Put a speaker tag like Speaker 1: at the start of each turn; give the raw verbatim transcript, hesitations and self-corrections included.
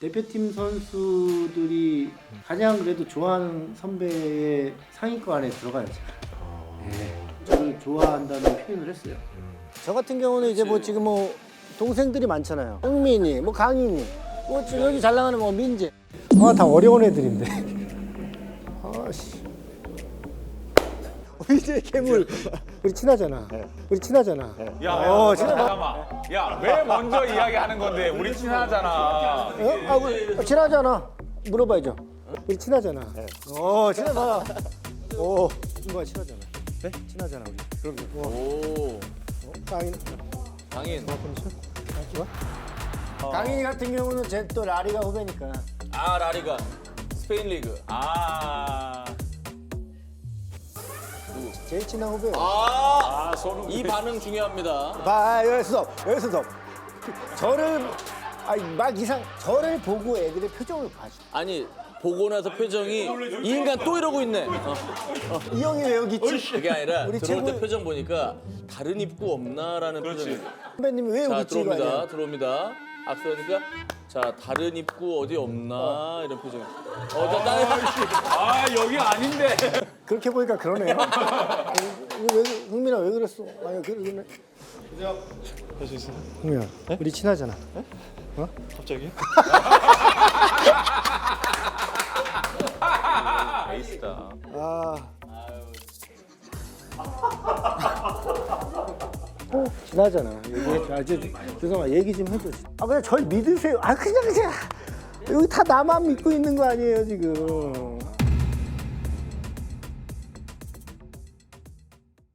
Speaker 1: 대표팀 선수들이 가장 그래도 좋아하는 선배의 상위권 안에 들어가야죠. 네. 저를 좋아한다는 표현을 했어요.
Speaker 2: 저 같은 경우는 이제 뭐 지금 뭐 동생들이 많잖아요. 흥민이, 뭐 강인이, 뭐 지금 여기 잘 나가는 뭐 민재. 아, 다 어려운 애들인데. 아씨. 이제 괴물. 우리 친하잖아. 우리 친하잖아.
Speaker 3: 야, 야,
Speaker 2: 어,
Speaker 3: 잠깐만. 야, 왜 먼저 이야기하는 건데? 우리 친하잖아.
Speaker 2: 어? 아, 우리 친하잖아. 물어봐야죠. 우리 친하잖아. 어, 친하잖아. 오, 이거 친하잖아. 네? 친하잖아 우리. 그럼 뭐.
Speaker 4: 오,
Speaker 2: 어, 강인.
Speaker 4: 강인.
Speaker 2: 좋아? 강인이 같은 경우는 제 또 라리가 후배니까.
Speaker 4: 아, 라리가. 스페인 리그. 아.
Speaker 2: 제일 친한 후배.
Speaker 4: 아,
Speaker 3: 아, 손흥민.
Speaker 4: 이 반응 중요합니다.
Speaker 2: 봐, 여기서 여기서 더. 저를 아니 막 이상 저를 보고 애들의 표정을 봐줘.
Speaker 4: 아니, 보고 나서 표정이 이 인간 또 이러고 있네. 어,
Speaker 2: 이 형이 왜 여기 있지?
Speaker 4: 그게 아니라
Speaker 2: 우리
Speaker 4: 들어올 때
Speaker 2: 최고-
Speaker 4: 표정 보니까 다른 입구 없나라는 표정이.
Speaker 2: 선배님이 왜
Speaker 4: 자,
Speaker 2: 여기 있지? 이거
Speaker 4: 들어옵니다.
Speaker 2: 아니야?
Speaker 4: 들어옵니다. 악수하니까 자, 다른 입구 어디 없나 이런 표정. 어, 자, 딸.
Speaker 3: 아, 여기 아닌데.
Speaker 2: 그렇게 보니까 그러네요. 어, 왜 흥민아 왜 그랬어? 아니 그러네.
Speaker 5: 할 수 있어요?
Speaker 2: 흥민아, 우리 친하잖아.
Speaker 5: 갑자기?
Speaker 3: 에이스다.
Speaker 2: 아. 어, 친하잖아. 얘기, 아, 이제 죄송합니다. 얘기 좀 해줘. 아 그냥 절 믿으세요. 아 그냥 그냥 여기 다 나만 믿고 있는 거 아니에요 지금.